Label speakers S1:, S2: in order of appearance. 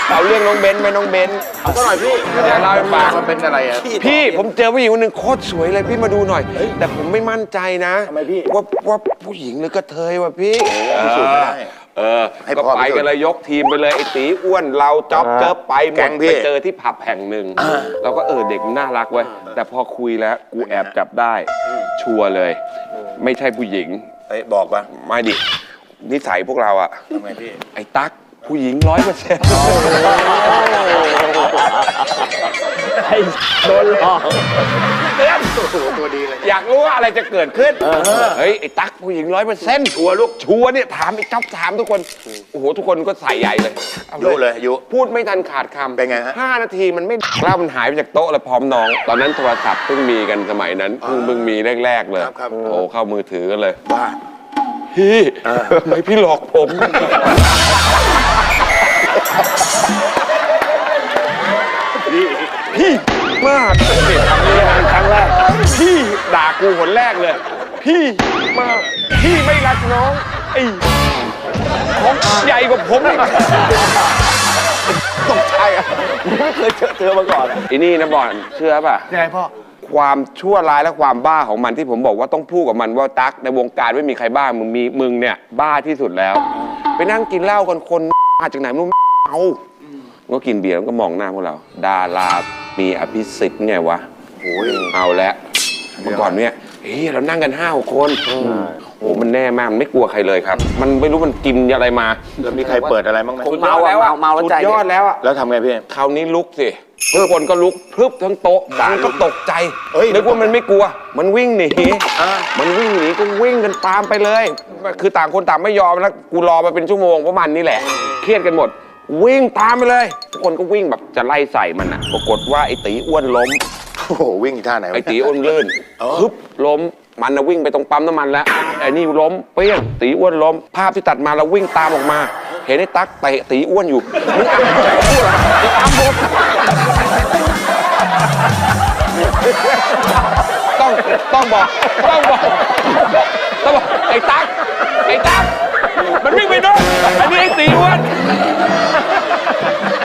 S1: เอาเรื่องน้องเบนซ์ไหมน้องเบนซ์เอาสักหน่อยพี่จะเล่าให้ฟังมันเป็นอะไรอ่ะพี่ผมเจอผู้หญิงคนหนึ่งโคตรสวยเลยพี่มาดูหน่อยแต่ผมไม่มั่นใจนะทำไมพี่ว่าผู้หญิงหรือกระเทยวะพี่ก็ไปกันเลยยกทีมไปเลยไอ้ตีอ้วนเราจ๊อบเจิบไปหมดไปเจอที่ผับแห่งหนึ่งเราก็เด็กมันน่ารักเว้ยแต่พอคุยแล้วกูแอบจับได้ชัวร์เลยไม่ใช่ผู้หญิง
S2: บอกปะ
S1: ไม่ดินิสัยพวกเราอะ
S2: ทำไมพี่
S1: ไอ้ตั๊กผู้หญิง100%
S3: ไอ้โดนหลอก
S2: ตัวดีเลย
S1: อยากรู้ว่าอะไรจะเกิดขึ้นเฮ้ยไอ้ตั๊กผู้หญิง100%ชัวร์ลูกชัวร์เนี่ยถามไอ้จ๊อบถามทุกคนโอ้โหทุกคนก็ใส่ใหญ่เลย
S2: ยุเลยยุ
S1: พูดไม่ทันขาดคำ
S2: เป็นไงฮะ
S1: 5 นาทีมันไม่เล่ามันหายไปจากโต๊ะเลยพร้อมน้องตอนนั้นโทรศัพท์เพิ่งมีกันสมัยนั้นเพิ่งมีแรกๆเลยโอ้เข้ามือถือกันเลย
S2: ว่า
S1: พี่ทำไมพี่หลอกผมพี่มากครั้งแรกพี่ด่ากูหนแรกเลยพี่มากพี่ไม่รักน้องไอ้ของใหญ่กว่าผมอีก
S2: ตกใจอ่ะไม่เคยเจอมาก่อน
S1: ไอ้นี่นะบอลเชื่อป่ะ
S2: ยังไงพ่อ
S1: ความชั่วร้ายและความบ้าของมันที่ผมบอกว่าต้องพูดกับมันว่าตั๊กในวงการไม่มีใครบ้ามึงเนี่ยบ้าที่สุดแล้วไปนั่งกินเหล้ากันคนมาจากไหนไม่รู้เอาก็กินเบียร์แล้วก็มองหน้าพวกเราดารามีอภิสิทธิ์ไงวะโอ้ยเอาแล้วเมื่อก่อนเนี่ยเรานั่งกัน5-6 คนโอ้มันแน่มากมันไม่กลัวใครเลยครับมันไม่รู้มันกินอะไรมา
S2: แล้วมีใครเปิดอะไรบ้างไหม
S1: เมาแล้วใจยอดแล้วอะ
S2: แล้วทำไงพี่
S1: คราวนี้ลุกสิทุกคนก็ลุกพรึบทั้งโต๊ะบางก็ตกใจนึกว่ามันไม่กลัวมันวิ่งหนีมันวิ่งหนีก็วิ่งกันตามไปเลยคือต่างคนต่างไม่ยอมแล้วกูรอมาเป็นชั่วโมงเพราะมันนี่แหละเครียดกันหมดวิ่งตามไปเลยทุกคนก็วิ่งแบบจะไล่ใส่มันอะปรากฏว่าไอ้ตีอ้วนล้ม
S2: โอ้โหวิ่งท่าไหน
S1: ไอ้ตีอ้วนลื่นฮึบล้มมันวิ่งไปตรงปั๊มน้ำมันแล้วไอ้นี่ล้มเปี้ยงตีอ้วนล้มภาพที่ตัดมาเราวิ่งตามออกมาเห็นไอ้ตั๊กเตะตีอ้วนอยู่มึงอ้ำใจพูดอะไรอ้ำผมต้องบอกไอ้ตั๊กมันวิ่งไปโน่นอันนี้ไอ้ตีอ้วน